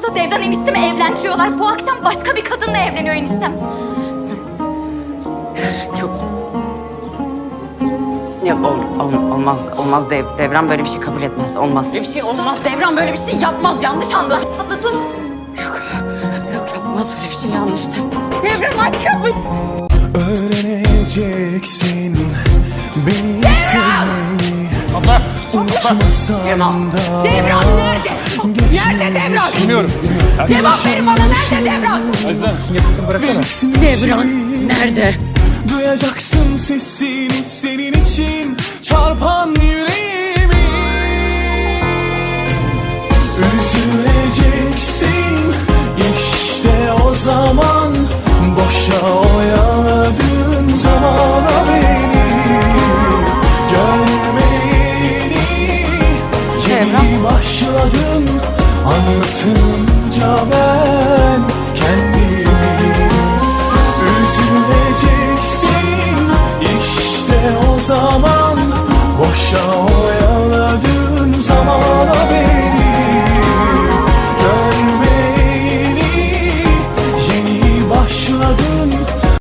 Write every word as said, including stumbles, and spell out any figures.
Yoksa Devran eniştemi evlendiriyorlar. Bu akşam başka bir kadınla evleniyor eniştem. Yok. Yok ol, ol- olmaz. Olmaz Dev, Devran böyle bir şey kabul etmez. Olmaz. Böyle bir şey olmaz. Devran böyle bir şey yapmaz. Yanlış anladın. Abla dur. Yok. Yok yapmaz öyle bir şey yanlıştır. Devran aç kapıyı. Öğreneceksin beni sevmeyi. Abla! Cemal. Devran nerede? Nerede Devran? Bilmiyorum. Cevap verin bana, nerede Devran? Aziz Hanım, yapısını bıraksana. Devran nerede? Duyacaksın sesini senin için çarpan yüreğimi. Üzülecek